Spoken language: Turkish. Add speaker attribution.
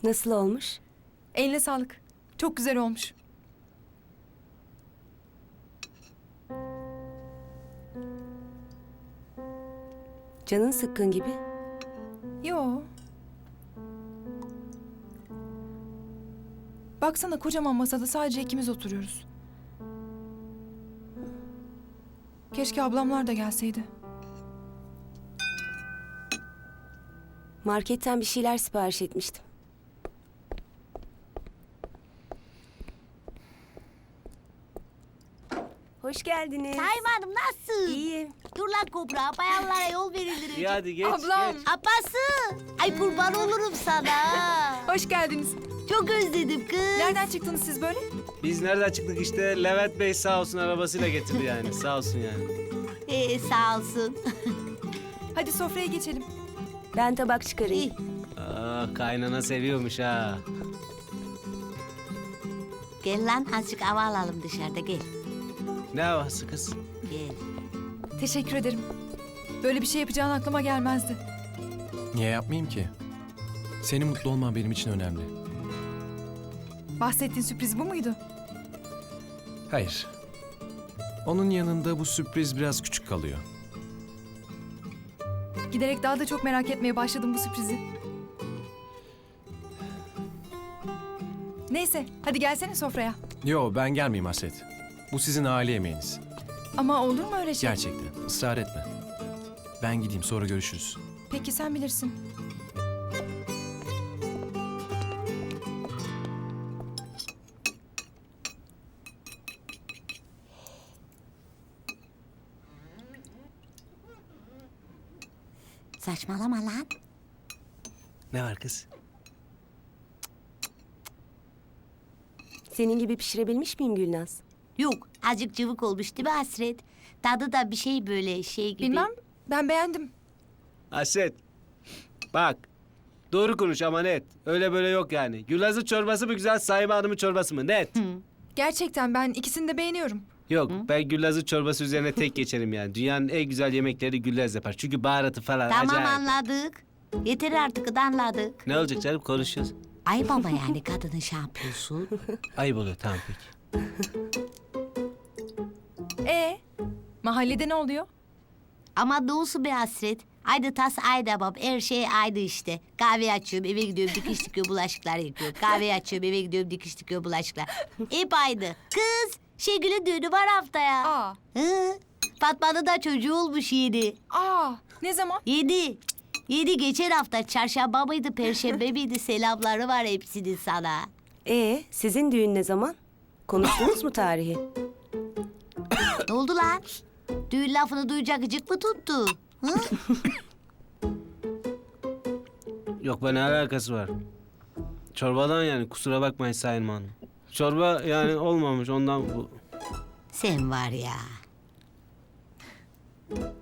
Speaker 1: Nasıl olmuş?
Speaker 2: Eline sağlık. Çok güzel olmuş.
Speaker 1: Canın sıkkın gibi.
Speaker 2: Yo. Baksana kocaman masada sadece ikimiz oturuyoruz. Keşke ablamlar da gelseydi.
Speaker 1: Marketten bir şeyler sipariş etmiştim. Hoş geldiniz.
Speaker 3: Saime Hanım nasılsın?
Speaker 1: İyiyim.
Speaker 3: Dur lan kobra, bayanlara yol verilir.
Speaker 4: İyi hadi geç
Speaker 2: Ablam.
Speaker 4: geç.
Speaker 3: Apası! Ay kurban olurum sana.
Speaker 2: Hoş geldiniz.
Speaker 3: Çok özledim kız.
Speaker 2: Nereden çıktınız siz böyle?
Speaker 4: Biz nereden çıktık işte Levent Bey sağ olsun arabasıyla getirdi yani sağ olsun yani.
Speaker 3: Sağ olsun.
Speaker 2: Hadi sofraya geçelim.
Speaker 1: Ben tabak çıkarayım.
Speaker 3: İyi.
Speaker 4: Aa, kaynana seviyormuş ha.
Speaker 3: Gel lan azıcık hava alalım dışarıda gel.
Speaker 4: Ne havası kız?
Speaker 3: Gel.
Speaker 2: Teşekkür ederim. Böyle bir şey yapacağın aklıma gelmezdi.
Speaker 5: Niye yapmayayım ki? Senin mutlu olman benim için önemli.
Speaker 2: Bahsettiğin sürpriz bu muydu?
Speaker 5: Hayır. Onun yanında bu sürpriz biraz küçük kalıyor.
Speaker 2: Giderek daha da çok merak etmeye başladım bu sürprizi. Neyse, hadi gelsene sofraya.
Speaker 5: Yo, ben gelmeyeyim Hasret. Bu sizin aile yemeğiniz.
Speaker 2: Ama olur mu öyle şey?
Speaker 5: Gerçekten. Israr etme. Ben gideyim, sonra görüşürüz.
Speaker 2: Peki sen bilirsin.
Speaker 3: Saçmalama lan.
Speaker 4: Ne var kız?
Speaker 1: Senin gibi pişirebilmiş miyim Gülnaz?
Speaker 3: Yok azıcık cıvık olmuş değil mi Hasret? Tadı da bir şey böyle şey gibi.
Speaker 2: Bilmem, ben beğendim.
Speaker 4: Hasret. Bak. Doğru konuş ama net. Öyle böyle yok yani. Gülaz'ın çorbası mı güzel Saime Hanım'ın çorbası mı? Net.
Speaker 2: Gerçekten ben ikisini de beğeniyorum.
Speaker 4: Yok ben Gülaz'ın çorbası üzerine tek geçerim yani. Dünyanın en güzel yemekleri Gülaz yapar. Çünkü baharatı falan
Speaker 3: Tamam
Speaker 4: acayip.
Speaker 3: anladık. Yeter artık anladık.
Speaker 4: Ne olacak canım konuşuyoruz.
Speaker 3: Ay baba yani kadının şampiyosu.
Speaker 4: Ayıp oluyor tamam peki.
Speaker 2: Mahallede ne oluyor?
Speaker 3: Ama doğusu be Hasret. Ayda tas ayda bab her şey ayda işte. Kahve açıyorum eve gidiyorum dikiş dikiyor bulaşıklar yıkıyor. Kahve açıyorum eve gidiyorum dikiş dikiyor bulaşıklar. Hep ayda. Kız Şengül'ün düğünü var haftaya.
Speaker 2: Aa,
Speaker 3: Hı? Fatma'nın da çocuğu olmuş yedi.
Speaker 2: ne zaman?
Speaker 3: Yedi. Yedi geçen hafta çarşamba mıydı perşembe miydi selamları var hepsinin sana.
Speaker 1: Sizin düğün ne zaman? Konuştunuz mu tarihi?
Speaker 3: Ne oldu lan? Düğün lafını duyacak gıcık mı tuttu? Hı?
Speaker 4: Yok be ne alakası var? Çorbadan yani kusura bakmayın Sayın Hanım. Çorba yani olmamış ondan bu.
Speaker 3: Sen var ya.